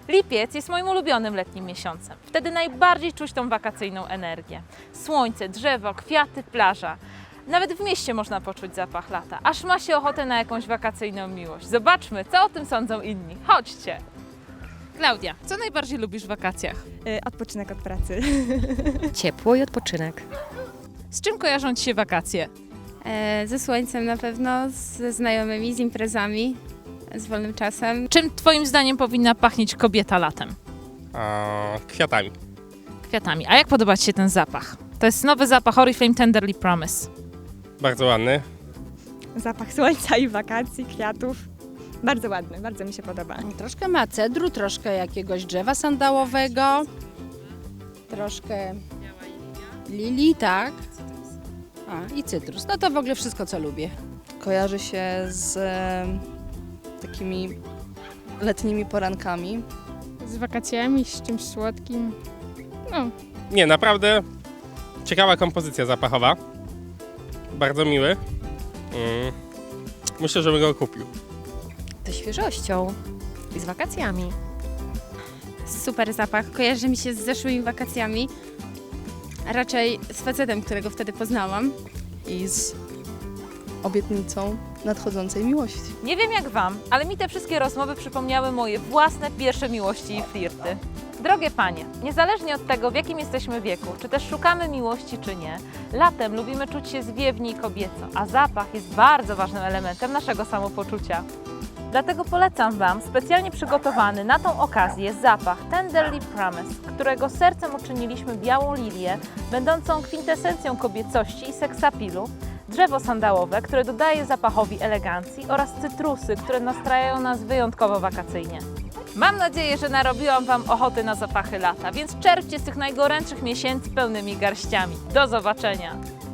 Lipiec jest moim ulubionym letnim miesiącem. Wtedy najbardziej czuć tą wakacyjną energię. Słońce, drzewo, kwiaty, plaża. Nawet w mieście można poczuć zapach lata, aż ma się ochotę na jakąś wakacyjną miłość. Zobaczmy, co o tym sądzą inni. Chodźcie! Klaudia, co najbardziej lubisz w wakacjach? Odpoczynek od pracy. Ciepło i odpoczynek. Z czym kojarzą Ci się wakacje? Ze słońcem na pewno, ze znajomymi, z imprezami, z wolnym czasem. Czym Twoim zdaniem powinna pachnieć kobieta latem? Kwiatami. Kwiatami. A jak podoba Ci się ten zapach? To jest nowy zapach Oriflame Tenderly Promise. Bardzo ładny. Zapach słońca i wakacji, kwiatów. Bardzo ładny, bardzo mi się podoba. Troszkę ma cedru, troszkę jakiegoś drzewa sandałowego, troszkę lilii, tak. I cytrus. No to w ogóle wszystko, co lubię. Kojarzy się z takimi letnimi porankami. Z wakacjami, z czymś słodkim. Nie, naprawdę ciekawa kompozycja zapachowa. Bardzo miły. Myślę, że bym go kupił. Ze świeżością i z wakacjami. Super zapach, kojarzy mi się z zeszłymi wakacjami. A raczej z facetem, którego wtedy poznałam. I z obietnicą nadchodzącej miłości. Nie wiem jak Wam, ale mi te wszystkie rozmowy przypomniały moje własne pierwsze miłości i flirty. Drogie panie, niezależnie od tego, w jakim jesteśmy wieku, czy też szukamy miłości, czy nie, latem lubimy czuć się zwiewnie i kobieco, a zapach jest bardzo ważnym elementem naszego samopoczucia. Dlatego polecam Wam specjalnie przygotowany na tą okazję zapach Tenderly Promise, którego sercem uczyniliśmy białą lilię, będącą kwintesencją kobiecości i seksapilu, drzewo sandałowe, które dodaje zapachowi elegancji oraz cytrusy, które nastrajają nas wyjątkowo wakacyjnie. Mam nadzieję, że narobiłam Wam ochoty na zapachy lata, więc czerpcie z tych najgorętszych miesięcy pełnymi garściami. Do zobaczenia!